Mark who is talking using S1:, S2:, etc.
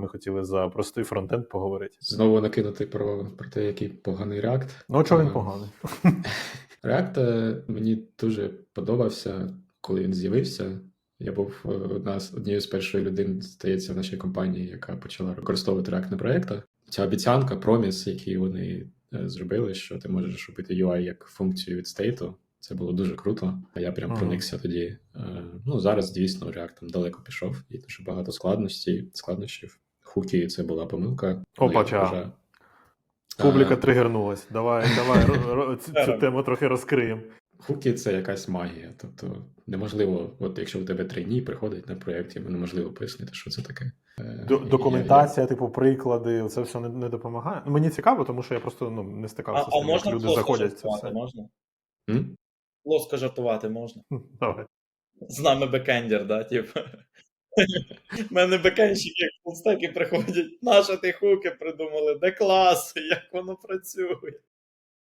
S1: хотіли за простий фронтенд поговорити.
S2: Знову накинути про те, який поганий React.
S1: Ну, чого він поганий?
S2: React мені дуже подобався, коли він з'явився. Я був однією з перших людей, здається, в нашій компанії, яка почала використовувати React на проєктах. Ця обіцянка, проміс, який вони зробили, що ти можеш робити UI як функцію від стейту, це було дуже круто. Я прям проникся тоді. Ну, зараз, дійсно, React там далеко пішов, і дуже багато складнощів. Хуки — це була помилка.
S1: Опача. Публіка тригернулась. Давай цю тему трохи розкриємо.
S2: Хуки — це якась магія. Тобто неможливо, от якщо у тебе трейні приходить на проєкті, неможливо пояснити, що це таке.
S1: Документація, типу, приклади, це все не допомагає. Мені цікаво, тому що я просто не стикався з тим, як люди заходять в це все.
S3: Можна? Плоско жартувати можна?
S1: Давай.
S3: З нами бекендер, да, типу. У мене бекенщики, як фулстеки приходять, наші ті хуки придумали, де клас, як воно працює.